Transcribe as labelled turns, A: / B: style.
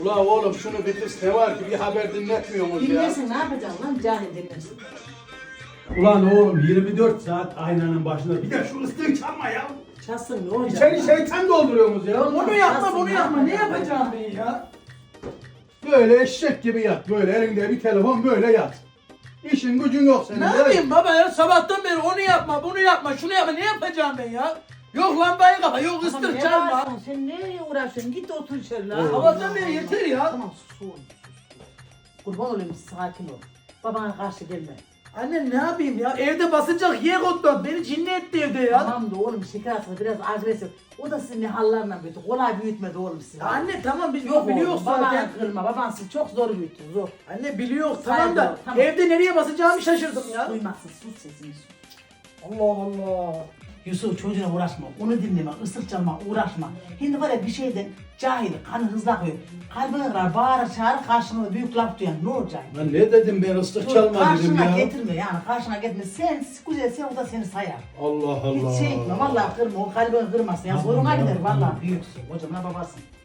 A: Ula oğlum şunu bir kız ne var ki bir haber dinletmiyorsunuz ya.
B: Dinlesin ne yapacaksın lan cahil dinlesin.
A: Ulan oğlum 24 saat aynanın başında bir de şu ıslığı çalma ya.
B: Çalsın ne olacak?
A: İçeri şeytan dolduruyorsunuz ya.
C: Bunu yapma
B: Çalsın,
C: bunu yapma. Ne yapacağım ben ya?
A: Böyle eşek gibi yat. Böyle elinde bir telefon böyle yat. İşin gücün yok senin.
C: Ne
A: ya.
C: yapayım baba ya? Sabahtan beri onu yapma, bunu yapma, şunu yapma. Ne yapacağım ben ya? Yok lambayı kapa, yok
B: Tamam,
C: ıslık
B: ne
C: çalma.
B: bağırıyorsun? Sen nereye uğraşıyorsun? Git otur içeri lan.
C: Sabahtan beri yeter ya.
B: Tamam sus oğlum sus. Kurban olayım sakin ol. Babana karşı gelme.
C: Anne ne yapayım ya? Evde basacak yer otlar. Beni cinni etti evde ya.
B: Tamam da oğlum şeker hastası biraz agresif. O da sizin ne hallarla büyüdü. Kolay büyütmedi oğlum sizi.
C: Ya anne tamam biz
B: Yok
C: biliyoruz
B: oğlum,
C: zaten.
B: babanı kırma. Baban sizi çok zor büyüttü zor.
C: Anne biliyoruz
B: Saygı
C: tamam da
B: ol, tamam.
C: evde nereye basacağımı şaşırdım ya.
B: Duymazsın sus sesini sus.
C: Allah Allah.
B: Yusuf çocuğuna uğraşma, onu dinleme, ıslık çalma, uğraşma. Şimdi var ya bir şeyden cahil, kanı hızlı akıyor. Kalbine kırar, bağırır, çağırır, karşına büyük laf duyan ne olacak?
A: Lan ne dedim ben ıslık
B: Dur,
A: çalma dedim
B: karşına
A: ya.
B: getirme yani, karşına getirme. Sen güzel, sen o da seni sayar.
A: Allah Allah.
B: Hiç şey etme, vallahi kırma, o kalbini kırmasın. Ya
A: Tamam,
B: zoruna
A: ya,
B: gider,
A: tamam.
B: vallahi büyüksün. Hocamla babasın.